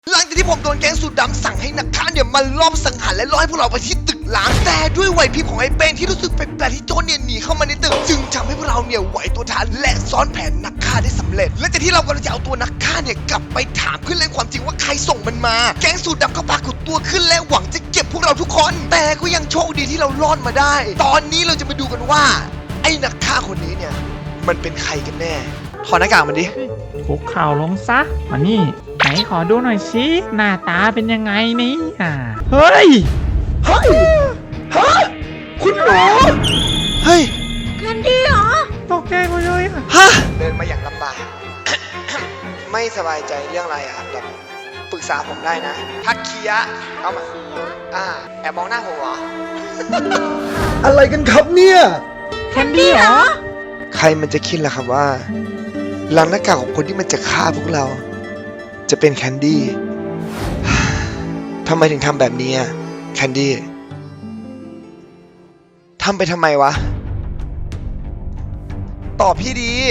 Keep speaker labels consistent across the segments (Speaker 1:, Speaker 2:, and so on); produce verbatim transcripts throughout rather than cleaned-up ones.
Speaker 1: หลังจากที่ผมโดนแก๊งสูตรดำสั่งให้นักฆ่าเนี่ยมาลอบสังหารและล่อให้พวกเราไปที่ตึกล้างแต่ด้วยไหวพริบของไอ้เป้งที่รู้สึกแปลกๆที่โจรเนี่ยหนีเข้ามาในตึกจึงทำให้พวกเราเนี่ยไหวตัวทันและซ้อนแผนนักฆ่าได้สำเร็จและจากที่เรากำลังจะเอาตัวนักฆ่าเนี่ยกลับไปถามขึ้นเรื่องความจริงว่าใครส่งมันมาแก๊งสูตรดำก็ปรากฏตัวขึ้นและหวังจะเก็บพวกเราทุกคนแต่ก็ยังโชคดีที่เรารอดมาได้ตอนนี้เราจะมาดูกันว่าไอ้นักฆ่าคนนี้เนี่ยมันเป็นใครกันแน่ถอดหน้ากากมันดิ
Speaker 2: คุกเข่าลงซะมานี่ไหนขอดูหน่อยสิหน้าตาเป็นยังไงนี่อ่าเฮ้ย
Speaker 1: เฮ้ยฮะคุณหมอเฮ้ย
Speaker 3: แคนดี้เหรอ
Speaker 2: ตกใจหมดเลย
Speaker 1: ฮะเดินมาอย่างลำบาก ไม่สบายใจเรื่องอะไรอ่ะแบบปรึกษาผมได้นะทักเคียเข้ามาอ่าแอบมองหน้าผมเหรอ
Speaker 4: อะไรกันครับเนี่ย
Speaker 2: แคนดี้เหรอ
Speaker 1: ใครมันจะคิดล่ะครับว่าหลังหน้ากากของคนที่มันจะฆ่าพวกเราจะเป็นแคนดี้ทำไมถึงทำแบบนี้อ่ะแคนดี้ทำไปทำไมวะตอบพี่ดี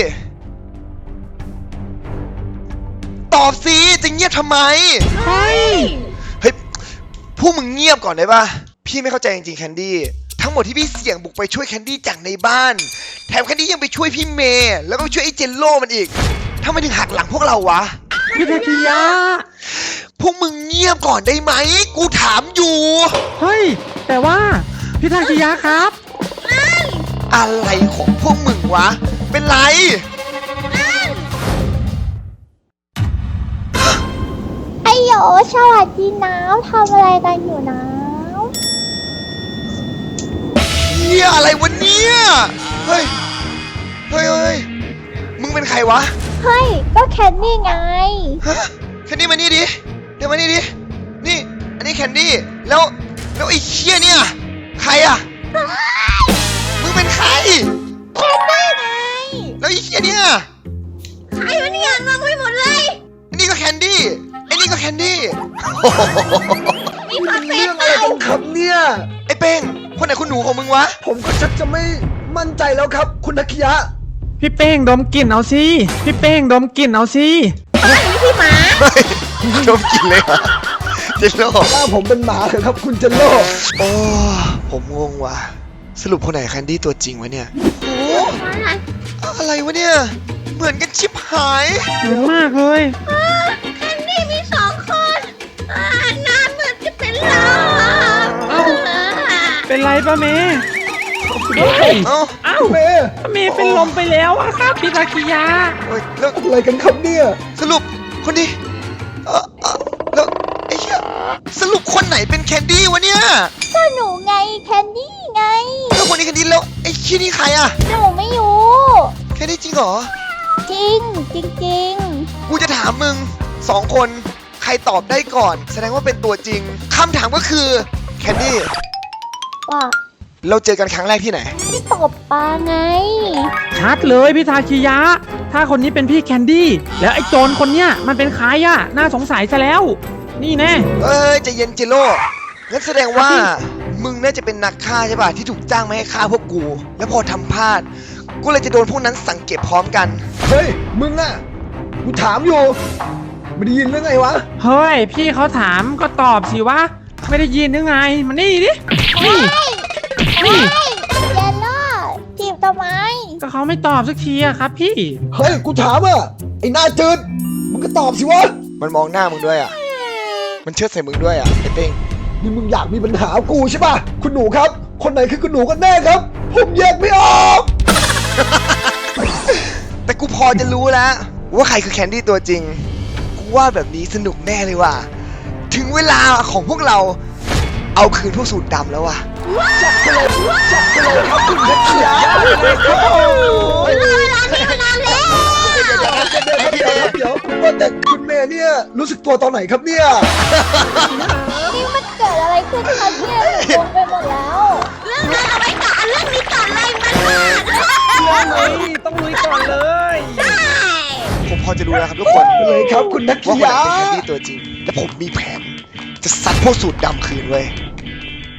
Speaker 1: ตอบสิจะเงียบทำไม
Speaker 2: เฮ้ย
Speaker 1: เฮ้ยพวกมึงเงียบก่อนได้ปะพี่ไม่เข้าใจจริงๆแคนดี้ทั้งหมดที่พี่เสี่ยงบุกไปช่วยแคนดี้จากในบ้านแถมแคนดี้ยังไปช่วยพี่เมย์แล้วก็ไปช่วยไอ้เจนโล่มันอีกทำไมถึงหักหลังพวกเราวะ
Speaker 2: พี่ทาคิยะ
Speaker 1: พวกมึงเงียบก่อนได้ไหมกูถามอยู่
Speaker 2: เฮ้ยแต่ว่าพี่ทาคิยะครับ
Speaker 1: อะไรของพวกมึงวะเป็นไร
Speaker 3: ไอโยสวัสดีน้ำทำอะไรกันอยู่น้ำ
Speaker 1: เฮียอะไรวะเนี่ยเฮ้ยเฮ้ยเฮ้ยมึงเป็นใครวะ
Speaker 3: เฮ้ยก็แคนดี้ไง
Speaker 1: ฮะแคนดี้มานี่ดิเดี๋ยวมานี่ดินี่อันนี้แคนดี้แล้วแล้วไอ้เชี่ยเนี่ยใครอะมึงเป็นใคร
Speaker 3: แคนดี้ไง
Speaker 1: แล้วไอ้เชี่ยเนี่ย
Speaker 3: ใครวะเนี่ยงงไปหมดเลย
Speaker 1: อันนี้ก็แคนดี้ไอ้นี่ก็แคนดี้
Speaker 3: มีคอนเฟส
Speaker 4: อะไรกันครับเนี่ย
Speaker 1: ไอ้เป้งคนไหนคุณหนูของมึงวะ
Speaker 4: ผมก็ชักจะไม่มั่นใจแล้วครับคุณนักยะ
Speaker 2: พี่เป้งดมกลิ่นเอาสิพี่เป้งดมกลิ่นเอาสิ
Speaker 3: เฮ้ยพี่หมา
Speaker 1: ดมกลิ่นเลยเหรอเจนโล่
Speaker 4: ถ้าผมเป็นหมาเหรอครับคุณเจนโล่
Speaker 1: โอ้ผมงงว่ะสรุปคนไหนแคนดี้ตัวจริงวะเนี่ยโอ้อะไรวะเนี่ยเหมือนกันชิบหาย
Speaker 2: เหมือนมากเลย
Speaker 3: แคนดี้มีสองคนหน้าเหมือนจะเป็นเรา
Speaker 2: เอ้าเป็นไรป้าเมย์
Speaker 1: เอ้า
Speaker 2: เอ้าเมย์เมย์เป็นลมไปแล้วอะครับพี่ทาคิยะ
Speaker 1: แล้ว
Speaker 4: อะไรกันครับเนี่ย
Speaker 1: สรุปคนนี้เออแล้วไอ้เหี้ยสรุปคนไหนเป็นแคนดี้วะเนี่ย
Speaker 3: ก็หนูไงแคนดี้ไง
Speaker 1: แล้วคนนี้แคนดี้แล้วไอ้ชี้นี่ใครอะ
Speaker 3: หนูไม่รู้
Speaker 1: แคนดี้จริงเหรอ
Speaker 3: จริงจริงจริง
Speaker 1: กูจะถามมึงสองคนใครตอบได้ก่อนแสดงว่าเป็นตัวจริงคำถามก็คือแคนดี้
Speaker 3: ว่า
Speaker 1: เราเจอกันครั้งแรกที่ไหน
Speaker 3: ที่ตบปลาไง
Speaker 2: ชัดเลยพี่ทาคิยะถ้าคนนี้เป็นพี่แคนดี้แล้วไอ้โจรคนเนี้ยมันเป็นใครอะน่าสงสัยซะแล้วนี่แน่
Speaker 1: เอ้ยใจเย็นเจโร่งั้นแสดงว่ามึงน่าจะเป็นนักฆ่าใช่ป่ะที่ถูกจ้างมาให้ฆ่าพวกกูแล้วพอทำพลาดกูเลยจะโดนพวกนั้นสังเกตพร้อมกัน
Speaker 4: เฮ้ยมึงอะกูถามอยู่ไม่ได้ยินหรือไงวะ
Speaker 2: เฮ้ยพี่เขาถามก็ตอบสิวะไม่ได้ยินหรือไงมานี่ดินี่
Speaker 3: นี่เยลโล่จีบทำไม
Speaker 2: ก็เขาไม่ตอบสักทีอะครับพี่
Speaker 4: เฮ้ยกูถามอะไอ้หน้าจืดมึงก็ตอบสิวะ
Speaker 1: มันมองหน้ามึงด้วยอะมันเชิดใส่มึงด้วยอะไอ้เป้ง
Speaker 4: นี่มึงอยากมีปัญหากูใช่ป่ะคุณหนูครับคนไหนคือคุณหนูกันแน่ครับผมแยกไม่ออก
Speaker 1: แต่กูพอจะรู้แล้วว่าใครคือแคนดี้ตัวจริงกูว่าแบบนี้สนุกแน่เลยว่ะถึงเวลาของพวกเราเอาคืนพวกสูตรดำแล้วว่ะ
Speaker 4: จับไปเลยจับไปเลยครับคุณนักเขียน
Speaker 3: เวลานี้มานานแล้ว
Speaker 4: เดี๋ยวเดี๋ยวว่าแต่คุณเมย์เนี่ยรู้สึกตัวตอนไหนครับเนี่ย
Speaker 3: นี่มันเกิดอะไรขึ้นครับเนี่ยงงไปหมดแล้วเรื่องนั้นเอาไว้ก่อนเรื่องนี้ก่อนเลยมัน
Speaker 2: เรื่องนี้ต้องลุยก่อนเลย
Speaker 3: ใช่
Speaker 1: ผมพอจะรู้แล้วครับทุกคน
Speaker 4: เลยครับคุณนักเขียน
Speaker 1: ว่าคนไหนเป็นแคนดี้ตัวจริงและผมมีแผนจะซัดพวกสูตรดำคืนเว้ยพัก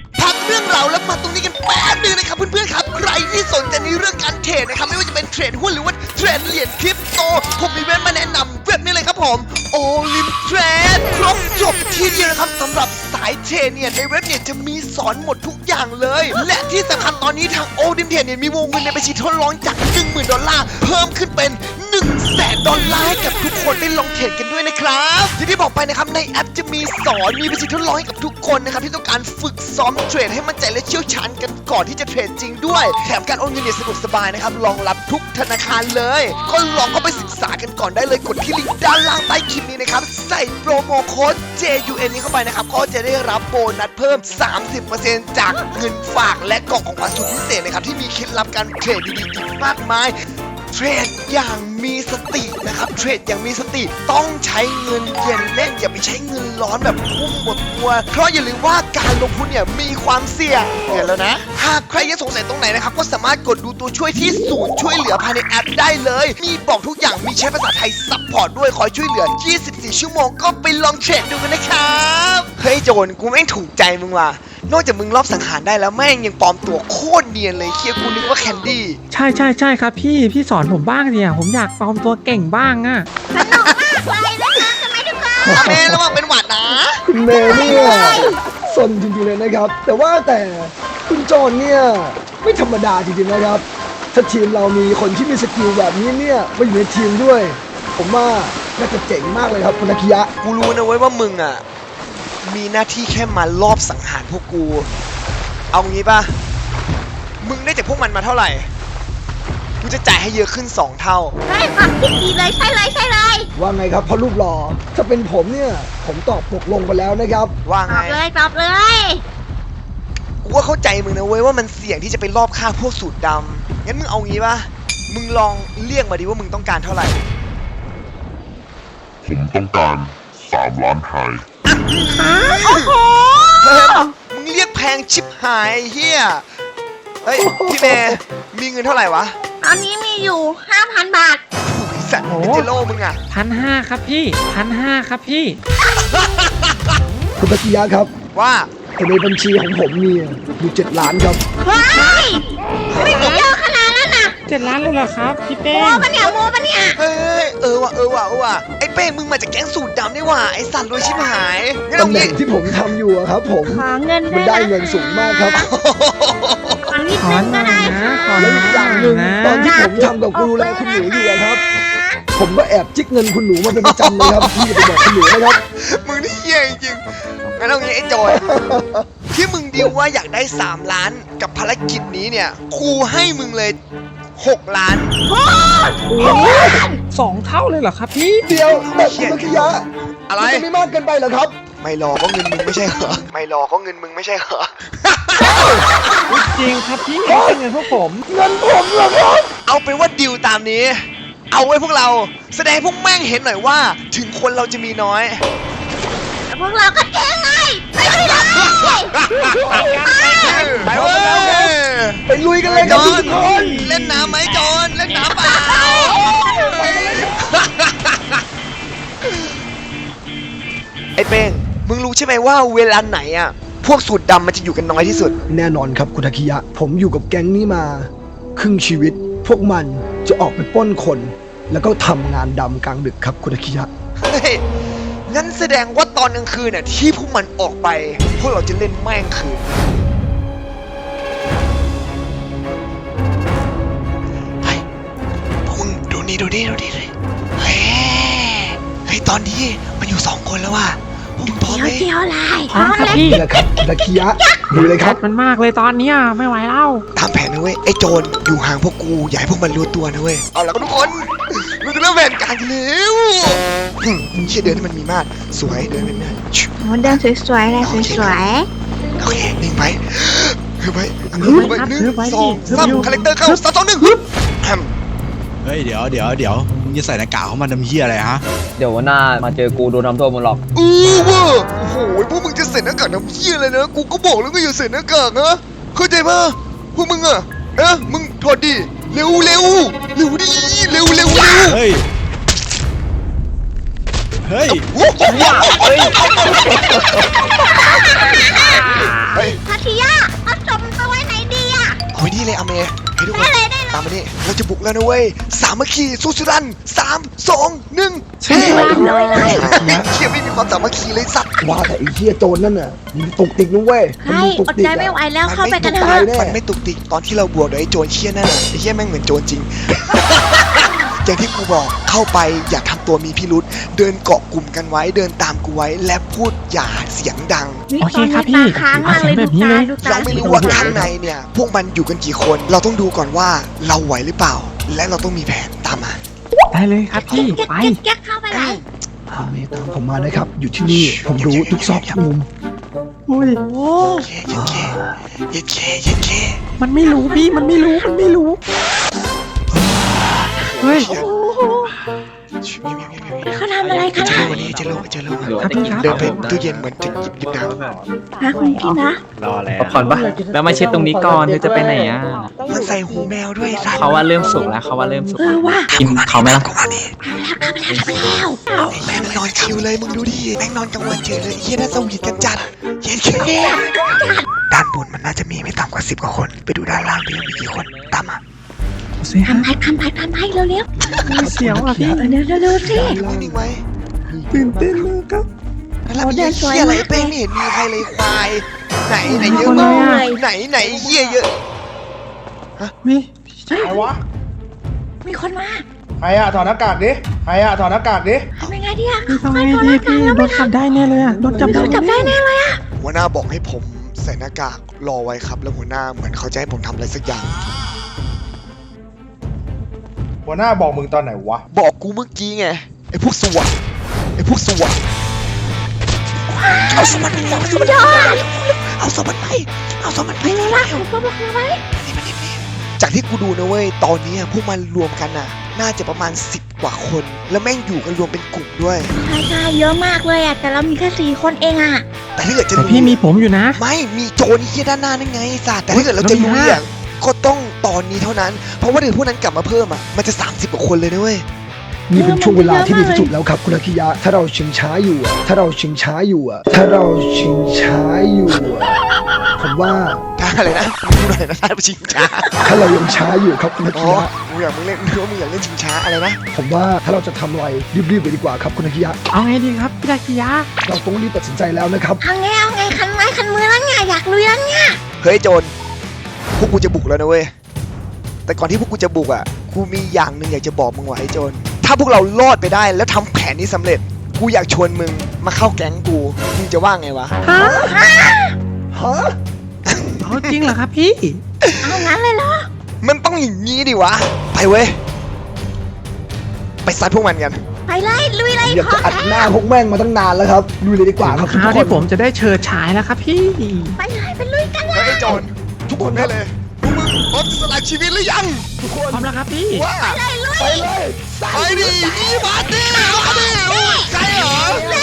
Speaker 1: รื่องราวแล้วมาตรงนี้กันแป๊บนึงนะครับเพื่อนๆครับใครที่สนใจในเรื่องการเทรดนะครับไม่ว่าจะเป็นเทรดหุ้นหรือว่าเทรดเหรียญคริปโตผมมีเว็บมาแนะนำเว็บนี้เลยครับผม Olim Trade ครบจบที่เดียวนะครับสำหรับสายเทรดเนี่ยในเว็บเนี่ยจะมีสอนหมดทุกอย่างเลย และที่สำคัญตอนนี้ทาง Olim Trade เนี่ยมีวงเงินในบัญชีทดลองจาก หนึ่งหมื่น ดอลลาร์เพิ่มขึ้นเป็น หนึ่งแสน ดอลลาร์ให้กับทุกคนได้ลองเทรดกันด้วยนะครับอย่างที่บอกไปนะครับในแอปจะมีสอนมีบัญชีทดลองให้กับทุกคนนะครับที่ต้องการฝึกซ้อมเทรดให้มั่นใจและเชี่ยวชาญกันก่อนที่จะเทรดจริงด้วยแถมการโอนเงินเนี่ยสะดวกสบายนะครับรองรับทุกธนาคารเลยก็ลองเข้าไปศึกษากันก่อนได้เลยกดที่ลิงก์ด้านล่างใต้คลิปนี้นะครับใส่โปรโมโค้ด เจ ยู เอ็น นี้เข้าไปนะครับก็จะได้รับโบนัสเพิ่ม สามสิบเปอร์เซ็นต์ จากเงินฝากและกล่องของขวัญสุดพิเศษนะครับที่มีเคล็ดลับการเทรดดีๆอีกมากมายเทรดอย่างมีสตินะครับเทรดอย่างมีสติต้องใช้เงินเย็นเล่นอย่าไปใช้เงินร้อนแบบพุ่มหมดตัวเพราะอย่าลืมว่าการลงทุนเนี่ยมีความเสี่ยงเห็นแล้วนะหากใครยังสงสัยตรงไหนนะครับก็สามารถกดดูตัวช่วยที่ศูนย์ช่วยเหลือภายในแอปได้เลยมีบอกทุกอย่างมีใช้ภาษาไทยซัพพอร์ตด้วยคอยช่วยเหลือยี่สิบสี่ชั่วโมงก็ไปลองเทรดดูกันนะครับเฮ้ยโจนกูแม่งถูกใจมึงว่ะนอกจากมึงรอบสังหารได้แล้วแม่งยังปลอมตัวโคตรเนียนเลยเคียกูนึกว่าแคนดี้
Speaker 2: ใช่ใช่ใช่ครับพี่พี่สอนผมบ้างเนี่ยผมอยากปลอมตัวเก่งบ้างอะ
Speaker 3: สนุกมากเลยนะคะทำไมทุกคน
Speaker 1: อาเมระวังเป็นหวัดนะ
Speaker 4: คุณเมย์เนี่ยสนจริงๆเลยนะครับ แต่ว่าแต่คุณโจนเนี่ยไม่ธรรมดาจริงๆนะครับ ถ้าทีมเรามีคนที่มีสกิลแบบนี้เนี่ยมาอยู่ในทีมด้วย ผมว่าน่าจะเจ๋งมากเลยครับคุณอาคิยะ
Speaker 1: กูรู้นะเว้ยว่ามึงอ่ะมีหน้าที่แค่มารอบสังหารพวกกู เอางี้ป่ะมึงได้จากพวกมันมาเท่าไหร่กูจะจ่ายให้เยอะขึ้นสองเท่า
Speaker 3: ได้ค่ะพี่ดีเลยใช่เลยใช่เลย
Speaker 4: ว่าไงครับพ่อรูปหล่อถ้าเป็นผมเนี่ยผมตอบตกลงไปแล้วนะครับ
Speaker 1: ว่า
Speaker 3: ต
Speaker 1: ไง
Speaker 3: อบเลยตอบเลย
Speaker 1: กูก็เข้าใจมึงนะเว้ยว่ามันเสี่ยงที่จะไปรอบฆ่าพวกสูตรดำงั้นมึงเอางี้ป่ะมึงลองเรียกมาดิว่ามึงต้องการเท่าไหร่
Speaker 5: ผมต้องการสามล้านไฮ
Speaker 3: โอ้โห
Speaker 1: เฮ้ยมึงเรียกแพงชิบหายไอ้เฮียเฮ้ยพี่เมย์มีเงินเท่าไหร่วะ
Speaker 3: ตอนนี้มีอยู่ ห้าพัน บาท
Speaker 1: ไอ้สัตว์เป็นเจโร่มึงอ่ะ
Speaker 2: พันห้าครับพี่พันห้าครับพี่
Speaker 4: คุณอาคิยะครับ
Speaker 1: ว่า
Speaker 4: แต่ในบัญชีของผมเนี่ยมีเจ็ดล้านครับ
Speaker 3: เฮ้ยไม่มีเยอะขนาดนั้นน่ะ
Speaker 2: เจ็ดล้านเลยเหรอครับพี่
Speaker 3: โม
Speaker 2: เป้ง
Speaker 3: ปะเนี่ยโมปะเนี่ย
Speaker 1: เฮ้ยเออว่ะเออว่ะเออว่ะไอ้เป้งมึงมาจากแก๊งสูตรดำนี่ว่ะไอ้สัตว์รวยชิบหายงั้นเอา
Speaker 4: ตำแหน่
Speaker 1: งี้
Speaker 4: งที่ผมทำอยู่อะครับผม
Speaker 3: ขอเงิน
Speaker 4: มันได้เงินสูงมากครับ
Speaker 3: ขอนิด
Speaker 2: ขอ
Speaker 3: นึง
Speaker 2: หน่
Speaker 3: ก็
Speaker 2: อย
Speaker 3: ได้
Speaker 2: นะขอห
Speaker 4: แล้ว
Speaker 2: น่
Speaker 4: อีก
Speaker 2: อ
Speaker 4: อย่างหนึ่
Speaker 2: ย
Speaker 4: ง
Speaker 2: นะ
Speaker 4: ตอนที่ผมทำกับกูดูแลคุณหนูอยู่อะครับ ผมก็แอบจิกเงินคุณหนูมาเป็นประจำเลยครับพี่จะไปบอกคุณหนูนะครับ
Speaker 1: มึงนี่เหี้ยจริงๆงั้นเอางี้ไอ้จอยที่มึงดิวว่าอยากได้สามล้านกับภารกิจนี้เนี่ยกูให้มึงเลยหกล้าน
Speaker 2: โอ้สองเท่าเลยเหรอครับพี่
Speaker 4: เดียวแต่คุณอาคิยะ
Speaker 1: อะไร
Speaker 4: มันจะไม่มากเกินไปเหรอครับ
Speaker 1: ไม่รอก็เงินมึงไม่ใช่เหรอไม่รอก็เงินมึงไม่ใช่เหรอ
Speaker 2: จริงครับพี่ไม่ใช่เงินพวกผม
Speaker 4: เงินผมเหรอครับ
Speaker 1: เอาเป็นว่าดิวตามนี้ เอาไว้พวกเราแสดงให้พวกแม่งเห็นหน่อยว่า ถึงคนเราจะมีน้อย
Speaker 3: แต่พวกเราก็เจ๊งไงไปเลย
Speaker 1: ไปเว้ย
Speaker 4: ไปลุยกันเลยครับทุกคน
Speaker 1: เล่นน้ำไหมจอนเล่นน้ำเปล่าไอ้เป้งมึงรู้ใช่ไหมว่าเวลาไหนอ่ะพวกสูตรดำมันจะอยู่กันน้อยที่สุด
Speaker 4: แน่นอนครับคุณอาคิยะ ผมอยู่กับแก๊งนี้มา ครึ่งชีวิต พวกมันจะออกไปปล้นคน แล้วก็ทำงานดำกลางดึกครับคุณอาคิยะ
Speaker 1: เฮ้ยงั้นแสดงว่าตอนกลางคืนน่ะที่พวกมันออกไป พวกเราจะเล่นแม่งคืนเฮ้ยพวกมึงดูนี่ดูนี่ดูนี่เลยเฮ้ยเฮ้ยตอนนี้มันอยู่สองคนแล้วว่ะพวกมึงพร้อมไหม
Speaker 3: เจียวลาย
Speaker 2: พร้อมครับพี่
Speaker 4: นี่แหละครับคุณอาคิยะดูเลยครับ
Speaker 2: มันมากเลยตอนเนี้ยไม่ไหวแล้ว
Speaker 1: ตามแผนนะเว้ยไอ้โจรอยู่ห่างพวกกูอย่าให้พวกมันรู้ตัวนะเว้ยเอาละก็ทุกคนเราจะเริ่มแผนการกันแล้วหึมึงเชี่ยเดินให้มันมีมาดสวยเดินเป็นมาดชิว
Speaker 3: โมเดิร์นสวยๆเลยสวย
Speaker 1: โอเคนิ่งไปฮึบไป
Speaker 2: ฮึ
Speaker 1: ฮึ
Speaker 2: บบ
Speaker 1: ไป
Speaker 2: ครับ
Speaker 1: หนึ่ง
Speaker 2: ฮึบไว้
Speaker 1: สอง
Speaker 2: ฮึบ
Speaker 1: สาม
Speaker 2: อยู่
Speaker 1: คาแรคเตอร์เข้า
Speaker 2: ฮึบ
Speaker 1: สามสองหนึ่งฮึบแฮม
Speaker 6: เฮ้ยเดี๋ยวเดี๋ยวเดี๋ยวมึงจะใส่หน้ากากเข้ามาทำเหี้ยอะไรฮะ
Speaker 7: เดี๋ยววันหน้ามาเจอกูโดนทำโทษหมดหรอก
Speaker 1: อู้เวอร์โอ้โหพวกมึงจะใส่หน้ากากทำเหี้ยอะไรนะกูก็บอกแล้วก็อย่าใส่หน้ากากนะเข้าใจป่ะพวกมึงอะเอ๊ะมึงถอดดิเร็วเร็วเร็วดิเร็วเร็วเร็ว
Speaker 6: เฮ้ย เฮ้ย
Speaker 1: โอ้โหเฮ้ย
Speaker 3: ๆคาคิยะคา
Speaker 1: ตามมานี่เราจะบุกแล้วนะเว้ยสามัคคีสู้สุดันสามสองหนึ่งเฮ้ยเฮียไม่มีความสามัคคีเลยสัตว์
Speaker 4: ว่าแต่ไอ้เหี้ยโจรนั่นน่ะมันตุกติกนะเว้ยมัน
Speaker 3: ให้
Speaker 4: มีตุก
Speaker 3: อด
Speaker 4: ติก
Speaker 3: ใจไม่ไหวแล้วเข้าไปกันเถ
Speaker 4: ตาย
Speaker 3: อะ
Speaker 4: แน่
Speaker 1: มันไม่ตุกติกตอนที่เราบวกโดยไอ้โจรเชี่ยนั่นน่ะไอ้เฮียแม่งเหมือนโจรจริง อย่างที่กูบอกเข้าไปอย่าทำตัวมีพิรุษเดินเกาะกลุ่มกันไว้เดินตามกูไว้และพูดอย่าเสียงดัง
Speaker 2: โอเคครับพี่
Speaker 3: ค้างมากเลย
Speaker 2: เอา
Speaker 3: ดู
Speaker 2: แบบนี้
Speaker 3: ตา
Speaker 2: เลย
Speaker 3: ดูตา
Speaker 1: เราไม่รู้ว่าข้างในเนี่ยพวกมันอยู่กันกี่คน เราต้องดูก่อนว่าเราไหวหรือเปล่า และเราต้องมีแผนตามมา ได้
Speaker 2: ได้เลยครับพี่
Speaker 3: แก๊ก
Speaker 2: ไป
Speaker 3: แก๊กแก๊กเข้าไปเลย
Speaker 4: เอาเมตามผมมานะครับ อยู่ที่นี่ผมรู้ทุกซอกทุกมุม
Speaker 2: อุ้ย
Speaker 3: โอ้
Speaker 1: เย็ดเคเย็ดเคเย็ดเค
Speaker 2: มันไม่รู้พี่มันไม่รู้มันไม่รู้เฮ้ย
Speaker 3: โหเขาทำอะไรกัน
Speaker 1: เจอ
Speaker 3: อะ
Speaker 1: โลวันนี้เจอโลเจอโล
Speaker 2: ครับพี่ครับ
Speaker 1: เดินไปตู้เย็นเหมือนจะหยิบหยิบน้ำ
Speaker 3: ฮะคุณพี่นะ
Speaker 8: พักผ่อนปะแล้วมาเช็ดตรงนี้ก่อนเธอจะไปไหนอ่ะ
Speaker 1: มันใส่หูแมวด้วยสัตว์
Speaker 8: เขาว่าเริ่มสุกแล้วเขาว่าเริ่มสุก
Speaker 3: เออว่า
Speaker 8: กินเขาไหมล่ะ
Speaker 1: ก็มาดิ
Speaker 3: เข้าไปแล้วเข้าไปแล้ว
Speaker 1: ไอ้แม่งนอนคิวเลยมึงดูดิแม่งนอนกลางวันเฉยเลยเฮียน่าสวีทกันจัดเย็ดเคด้านบนมันน่าจะมีไม่ต่ำกว่าสิบกว่าคนไปดูด้านล่างดิมีกี่คนตามมา
Speaker 2: เสีย
Speaker 3: ทำไปทำไปทำไปเร็วเร็ว
Speaker 2: เสียวอ่ะพี่
Speaker 3: เออเร็วเร็วเร็วสิ
Speaker 1: นิ่งๆไว้
Speaker 2: ตื่นเต้นมากครับ
Speaker 1: แล้วมีเฮียอะไรเป้งไม่เห็นมีใครเลยควายไหนไหนเยอะ
Speaker 2: คน
Speaker 1: มา
Speaker 2: เลย
Speaker 1: ก
Speaker 2: อะ
Speaker 1: ไหนไหนเฮียเยอะ
Speaker 2: มี
Speaker 3: เฮ้ย
Speaker 9: ใครวะ
Speaker 3: มีคนมา
Speaker 9: ใครอะถอดหน้ากากดิ ใครอะถอดหน้ากากดิ
Speaker 3: ทำยังไงดีอะ
Speaker 2: พี่ทำไงดีพี่โดนจับได้แน่เลยอ่ะโดนจับ
Speaker 3: โดนจับได้แน่เลยอะ
Speaker 1: หัวหน้าบอกให้ผมใส่หน้ากากรอไว้ครับ แล้วหัวหน้าเหมือนเขาจะให้ผมทำอะไรสักอย่าง
Speaker 9: หัวหน้าบอกมึงตอนไหนวะ
Speaker 1: บอกกูเมื่อกี้ไงไอ้พวกสวัสดไอ้พวกสวัสดเอาสวัสดไปเอาสวัสดไปเอาสวัสดไปเอาสวัสดไป
Speaker 3: เร็วละผมก็บอกเลยไว้
Speaker 1: จากที่กูดูนะเว้ยตอนนี้พวกมันรวมกันน่ะ น่าจะประมาณสิบกว่าคน แล้วแม่งอยู่กันรวมเป็นกลุ่มด้วย
Speaker 3: ใช่ใช่เยอะมากเลยอะแต่เรามีแค่สี่คนเองอะ
Speaker 1: แต่ถ้าเกิดจะ
Speaker 2: แต่
Speaker 1: รู้
Speaker 2: พี่มีผมอยู่นะ
Speaker 1: ไม่มีโจรเฮียด้านหน้านั่นไงสัตว์แต่ถ้าเกิดเราจะรู้
Speaker 2: แล้วมีห้า
Speaker 1: อย่างก็ต้องตอนนี้เท่านั้น เพราะว่าเดี๋ยวพวกนั้นกลับมาเพิ่มอ่ะมันจะสามสิบกว่าคนเลยนะเว้ย
Speaker 4: นี่เป็นช่วงเวลาที่ดีที่สุดแล้วครับคุณอาคิยะ ถ้าเราชิงช้าอยู่อะถ้าเราชิงช้าอยู่อะถ้าเราชิงช้าอยู่อะผมว่า
Speaker 1: ถ้าอะไรนะมึงหน่อยนะท่านชิงช้า
Speaker 4: ถ้าเรายังช้าอยู่ครับคุณอา
Speaker 1: อ๋
Speaker 4: คิ
Speaker 1: อย
Speaker 4: ะ
Speaker 1: มึงอยากมึงเล่นนึกว่ามึงอยากเล่นชิงช้าอะไรนะ
Speaker 4: ผมว่าถ้าเราจะทำอะไรรีบๆไปดีกว่าครับคุณอาคิยะ
Speaker 2: เอาไงดีครับพี่ดากิยะ
Speaker 4: เราต้องรีบตัดสินใจแล้วนะครับ
Speaker 3: เอาไงเอาไงคันไม้คันมือแล้วไงอยากลุยแล้วไง
Speaker 1: เฮ้ยโจรพวกกูจะบุกแล้วนะเว้ยแต่ก่อนที่พวกกูจะบุกอ่ะกูมีอย่างหนึ่งอยากจะบอกมึงไว้ไอ้โจรถ้าพวกเรารอดไปได้แล้วทำแผนนี้สำเร็จกูอยากชวนมึงมาเข้าแก๊งกูมึงจะว่าไงวะ
Speaker 2: ฮะ
Speaker 4: ฮะ
Speaker 2: เอาจริงเหรอครับพี่
Speaker 3: เอางั้นเลยเหรอ
Speaker 1: มันต้องอย่างนี้ดิวะไปเว้ยไปซัดพวกมันกัน
Speaker 3: ไปเลยลุยเลย
Speaker 4: อยากจะอัดหน้าพวกแม่งมาตั้งนานแล้วครับดูเลยดีกว่าครับทุก
Speaker 2: คราว
Speaker 4: ค
Speaker 2: ที่
Speaker 4: น
Speaker 2: ผมจะได้เชิดฉายแล้วครับพี่
Speaker 3: ไปเลยไปลุยกันเลย
Speaker 1: เฮ้ยไอ้โจรทุกคนได้เลยพวกมึงพร้อมสละชีวิตหรือยัง
Speaker 4: ทุกคน
Speaker 2: พร้อมแล้วครับพี่
Speaker 1: ว่า
Speaker 3: เลยลุย
Speaker 4: ไปเลย
Speaker 1: ไปดินี่มาดิมาดิใช่เหรอ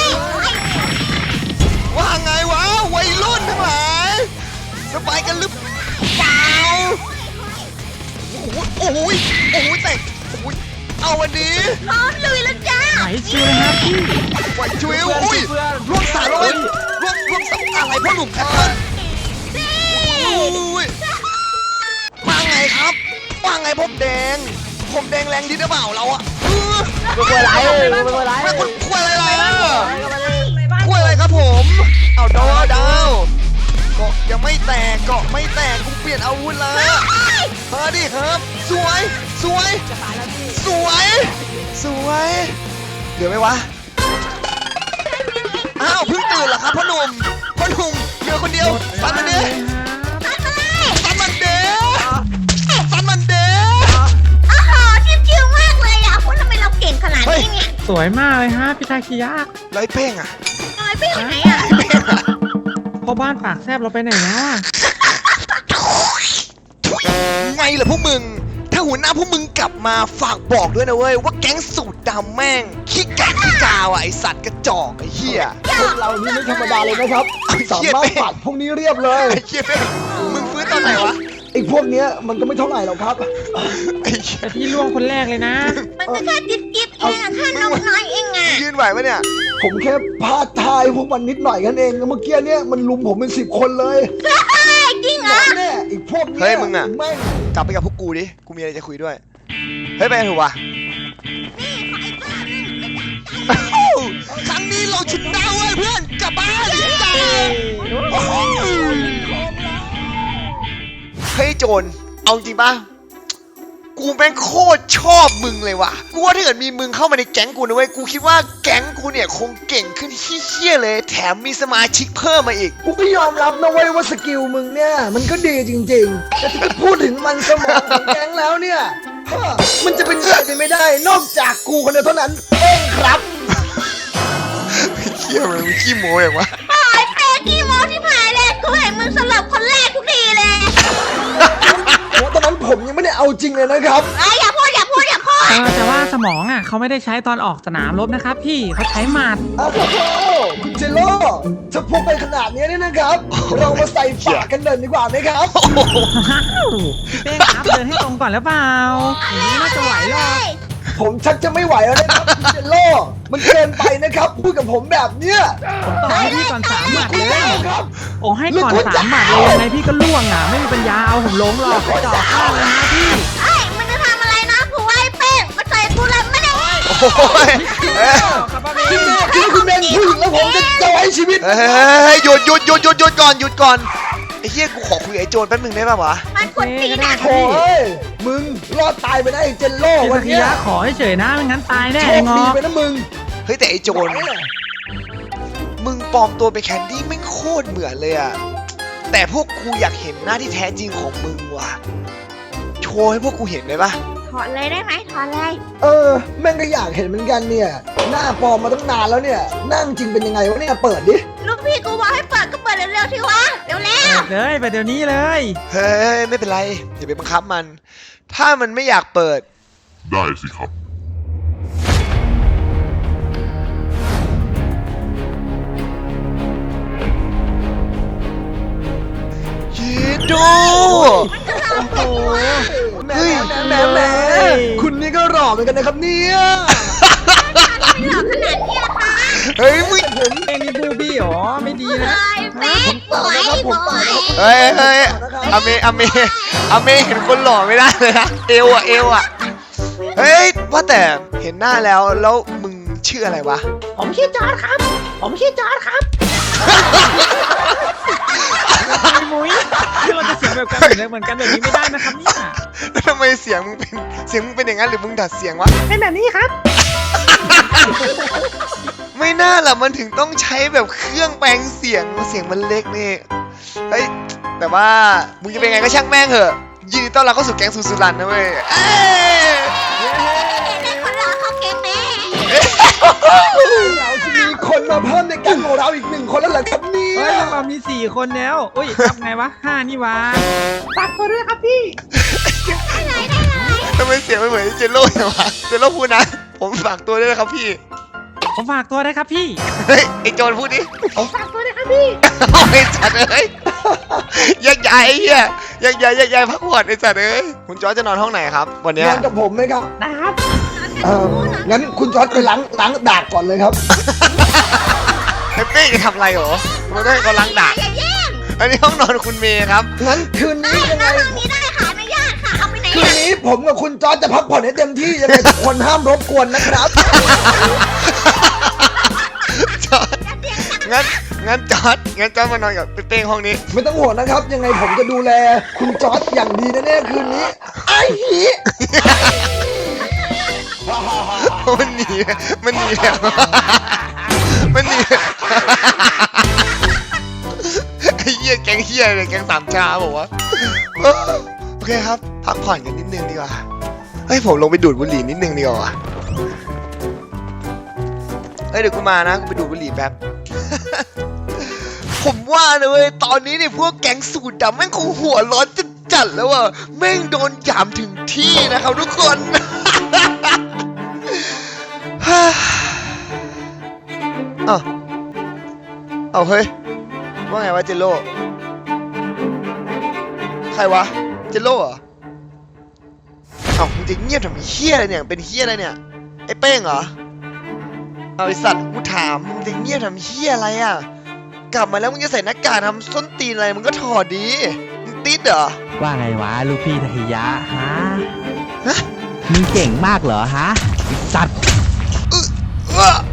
Speaker 1: ว่าไงวะวัยรุ่นทั้งหลายสบายกันหรือเปล่าโอ้โหโอ้โหโอ้โหแต่โอ้โหเอาวันนี้
Speaker 3: พร้อมลุยแล้วจ้า
Speaker 2: ไหนชิวเลยครับพี่
Speaker 1: ไหวชิวอุ้ยร่วมสารเลยร่วมร่วมสารอะไรพ่อหนุ่มแคทเทิร์นอุ้ยว่าไงครับว่าไงผมแดงผมแดงแรงดีหรือเปล่าเราอะเป็นคนไรเป็นคนไรเป็นคนคุยอะไรอ่ะคุยอะไรครับผมเอาดาวดาวเกาะยังไม่แตกเกาะไม่แตกกูเปลี่ยนอาวุธแล้วมาดิครับ สวยสวยสวยสวยเหลือไหมวะอ้าวเพิ่งตื่นเหรอครับพ่อหนุ่มพ่อหนุ่มเหลือคนเดียวฟันมันดิฟันมันเด้ฟันมันเด้
Speaker 3: โอ้โหชิวๆมากเลยอ่ะคุณทำไมเราเก่งขนาดนี้เนี่ย
Speaker 2: สวยมากเลยฮะพี่ดากิยะ
Speaker 1: แล้วไอ้เป้งอะ
Speaker 3: น้อยไปไหนอ่ะ
Speaker 1: ไอ้เป้งอะ
Speaker 2: พ่อบ้านปากแซบเราไปไหนแล้วอ่ะ
Speaker 1: ไงล่ะพวกมึง ถ้าหัวหน้าพวกมึงกลับมาฝากบอกด้วยนะเว้ยว่าแก๊งสูตรดำแม่งขี้กากขี้กาวอ่ะไอสัตว์กระจอกไอ้เหี้ย
Speaker 4: พวกเรานี่ไม่ธรรมดาเลยนะครับ
Speaker 1: ไอ้เหี้
Speaker 4: สาย มารถ
Speaker 1: เป้ง
Speaker 4: ปัดพวกนี้เรียบเลย
Speaker 1: ไอ้เหี้ยเป้งมึงฟื้นตอนไหนวะ
Speaker 4: ไอ้พวกเนี้ยมันก็ไม่เท่าไหร่หรอกครับ
Speaker 1: ไอ้เหี้ย
Speaker 2: แต่พี่ล่วงคนแรกเลยนะ
Speaker 3: มันก็แค่จิ๊บจิ๊บเองอ่ะแค่นกน้อยเองอ่ะ
Speaker 1: ยืนไหวปะเนี่ย
Speaker 4: ผมแค่พลาดทายพวกมันนิดหน่อยกันเองเมื่อกี้เนี่ยมันลุมผมเป็นสิบคนเลย
Speaker 3: จริงเหรอ
Speaker 4: แน่อีกพวกเนี้
Speaker 1: เฮ้ยมึงอะ
Speaker 4: แม่ง
Speaker 1: กลับไปกับพวกกูดิ กูมีอะไรจะคุยด้วย เฮ้ยไปกันเถอะวะครั้งนี้เราชนะเว้ยเพื่อนกลับบ้านจ้าเฮ้ยโจรเอาจริงปะกูแม่งโคตรชอบมึงเลยว่ะ กูว่าถ้าเกิดมีมึงเข้ามาในแก๊งกูนะเว้ย กูคิดว่าแก๊งกูเนี่ยคงเก่งขึ้นเฮี้ยๆเลย แถมมีสมาชิกเพิ่มมาอีก
Speaker 4: กูก็ยอมรับนะเว้ยว่าสกิลมึงเนี่ยมันก็ดีจริงๆ แต่ถ้าจะพูดถึงมันสมองของแก๊งแล้วเนี่ยฮะมันจะเป็นใครไปไม่ได้ นอกจากกูคนเดียวเท่านั้นเองครับ
Speaker 1: เฮี้ยมันขี้โม้อย่างวะ
Speaker 3: ไอ้เป๊กกี้โมที่ผายเลยกูเห็นมึงสลับคนแรกทุกทีเลย
Speaker 4: โอ้ตอนนั้นผมยังไม่ได้เอาจริงเลยนะครับ
Speaker 3: ไอ้ยอย่าพูดอย่าพูดอย่าพูด
Speaker 2: เออแต่ว่าสมองอ่ะเขาไม่ได้ใช้ตอนออกสนามรบนะครับพี่เขาใช้หมัด
Speaker 4: อ้าวคุณเจโร่ถ้าพูดไปขนาดนี้เนี่ยนะครับ เรามาใส่ฝากกันเลยดีกว่าไหมครับ
Speaker 2: อ้าวพี่เป้ครับเดินให้ตรงก่อนแล้วเปล่าอย่างนี้น่าจะไหวหรอก
Speaker 4: ผมชักจะไม่ไหวแล้วนะครับคุณเจโร่มันเกินไปนะครับพูดกับผมแบบเนี้ย
Speaker 2: ผมต่อให้พี่ก่อนสามหมัดเลย
Speaker 4: ครับ
Speaker 2: โอ้ให้ก่อนสามหมัดเลยยังไงพี่ก็ล่วงอ่ะไม่มีปัญญาเอาผมล้มหรอกกระจอกข้างเลยนะพี่
Speaker 3: ไอ้มันจะทำอะไรนะกูไอ้เป้งมาใส่กูเลยไม่ได้
Speaker 1: โอ้ยเอ้ย
Speaker 4: ที่คุณเป็นผู้หญิงแล้วผมจะจอยชีวิต
Speaker 1: เฮ้ยหยุดหยุดหยุดหยุดหยุดก่อนหยุดก่อน ไอ้เฮี้ยกูขอคุยกับไอ้โจรแป๊บนึงได้ป่าววะ
Speaker 3: มันกดตีนะ
Speaker 4: โอ้ยมึงรอดตายไปได้เจนโล่
Speaker 2: เจ
Speaker 4: วั
Speaker 2: ส
Speaker 4: น
Speaker 2: กิ
Speaker 4: เนี้ย
Speaker 2: ยะขอให้เฉยนะไม่งั้นตายแน่
Speaker 4: โช
Speaker 2: ไอ้
Speaker 4: ค
Speaker 2: ง
Speaker 4: ดี
Speaker 2: อ
Speaker 4: ไปนะมึง
Speaker 1: เฮ้ยแต่ไอ้โจร มึงปลอมตัวเป็นแคนดี้ไม่งโคตรเหมือนเลยอะแต่พวกกูอยากเห็นหน้าที่แท้จริงของมึงว่ะ โชว์ให้พวกกูเห็นได้ปะ
Speaker 3: ถอนเลยได้ไหมถอนเลย
Speaker 4: เออแม่งก็อยากเห็นเหมือนกันเนี่ย หน้าปลอมมาตั้งนานแล้วเนี่ยนั่งจริงเป็นยังไงวะเนี่ยเปิดดิ
Speaker 3: ลูกพี่กูบอกให้เปิดก็เปิดเร็วๆที่วะเร็ว
Speaker 2: เปิดเลยไปเดี๋ยวนี้เลย
Speaker 1: เฮ้ยไม่เป็นไรอย่าไปบังคับมัน ถ้ามันไม่อยากเปิด
Speaker 5: ได้สิครับ
Speaker 1: เยโด
Speaker 4: โอ้โหแหมแหมแหมคุณนี่ก็หล่อเหมือนกันนะครับเนี่ย
Speaker 3: ๆไม่หลอกขนาดนี้ละคะ
Speaker 1: เฮ้ยมึง
Speaker 2: เอ็งนี่บูบี้หรอไม่ดีนะ
Speaker 3: ไอ้เป๊กบอยบอย
Speaker 1: เฮ้ยเฮ้ยอเมอเมอเมเห็นคนหล่อไม่ได้เลยนะเอวอะเอวอะเฮ้ยว่าแต่เห็นหน้าแล้วแล้วมึงชื่ออะไรวะ
Speaker 2: ผมชื่อจอร์ดครับ ผมชื่อจอร์ดครับมุ้ยคือเราจะเสียงแบบกันเหมือนกันแบบนี้ไม่ได้นะครับเนี่ย
Speaker 1: แล้วทำไมเสียงมึงเป็นเสียงมึงเป็นอย่างนั้นหรือมึงดัดเสียงวะ
Speaker 2: เป็นแบบนี้ครับ
Speaker 1: ไม่น่าล่ะมันถึงต้องใช้แบบเครื่องแปลงเสียงเสียงมันเล็กนี่เฮ้ยแต่ว่ามึงจะเป็นไงก็ช่างแม่งเหอะยินดีต้อนรับเข้าสู่แก๊งสุสุรันนะเว้ยเอ้ย
Speaker 3: เป็นคนรอเขาเก่งแม่
Speaker 4: เราจะมีคนมาเพิ่มในแก๊งของเราอีกหนึ่งคนแล้วเหรอครับเนี่
Speaker 2: เฮ้ย
Speaker 4: ย
Speaker 2: พวกเรามีสี่คนแล้วอุ้ยทำไงวะห้านี่วะฝากตัวด้วยครับพี่
Speaker 1: ทำไมเสียงมันเหมือนเจโร่อย่างวะเจโร่พูดนะผมฝากตัวด้วยนะครับพี่
Speaker 2: ผมฝากตัวได้ครับพี่
Speaker 1: เฮ้ยไอโจรพูดดิ
Speaker 2: ผมฝากตัวได้ครับพี่
Speaker 1: เอาไอ้สัตว์เอ้ยแยกย้ายไอ้เหี้ยแยกย้ายแยกย้ายพักผ่อนไอ้สัตว์เอ้ยคุณจอร์จจะนอนห้องไหนครับ วันเนี้ย
Speaker 4: นอนกับผมไหมครับ
Speaker 2: นะครับ
Speaker 4: เอองั้นคุณจอร์ดไปล้างล้างดากก่อนเลยครับ
Speaker 1: ไอ้เป้จะทำอะไรเหรอมันต้องให้เขาล้างดาก
Speaker 3: อย่าแย่ง
Speaker 1: อันนี้ห้องนอนคุณเมย์ครับ
Speaker 4: งั้นคืนนี้ยังไง
Speaker 3: ห้องนี้ได้ค่ะอนุญาตค่ะเอาไปไหน
Speaker 4: คืนนี้ผมกับคุณจอร์ดจะพักผ่อนให้เต็มที่ยังไงทุกคนห้ามรบกวนนะครับ
Speaker 1: จอร์จงั้นงั้นจอร์จงั้นจอร์จมานอนกับเป้งห้องนี้
Speaker 4: ไม่ต้องห่วงนะครับ ยังไงผมจะดูแลคุณจอร์ดอย่างดีแน่ๆคืนนี้ไอ้หี
Speaker 1: มันหนีมันหนีแล้วมันหนีไอ้เหี้ยแก๊งเหี้ยเลยแก๊งสามชาบอกว่าเออโอเคครับพักผ่อนกันนิดนึงดีกว่าเฮ้ยผมลงไปดูดบุหรี่นิดนึงดีกว่าเฮ้ยเดี๋ยวกูมานะกูไปดูดบุหรี่แป๊บ ผมว่านะเว้ยตอนนี้เนี่ยพวกแก๊งสูตรดำแม่งคงหัวร้อนจัดจัดๆแล้วว่ะแม่งโดนหยามถึงที่นะครับทุกคน เอ้าเอาเฮ้ยว่าไงวะเจโร่ใครวะเจโร่เหรอเอ้ามึงจะเงียบทำไมเฮี้ยอะไรเนี่ยเป็นเฮี้ยอะไรเนี่ยไอ้เป้งเหรอเอาไอสัตว์กูถามมึงจะเงียบทำเฮี้ยอะไรอ่ะกลับมาแล้วมึงจะใส่หน้ากากทำส้นตีนอะไรมึงก็ถอดดีมึงตีติสเหรอ
Speaker 10: ว่าไงวะลูกพี่ทาคิยะฮะ
Speaker 1: ฮะ
Speaker 10: มึงเก่งมากเหรอฮะไอ้สัตว์
Speaker 1: เออ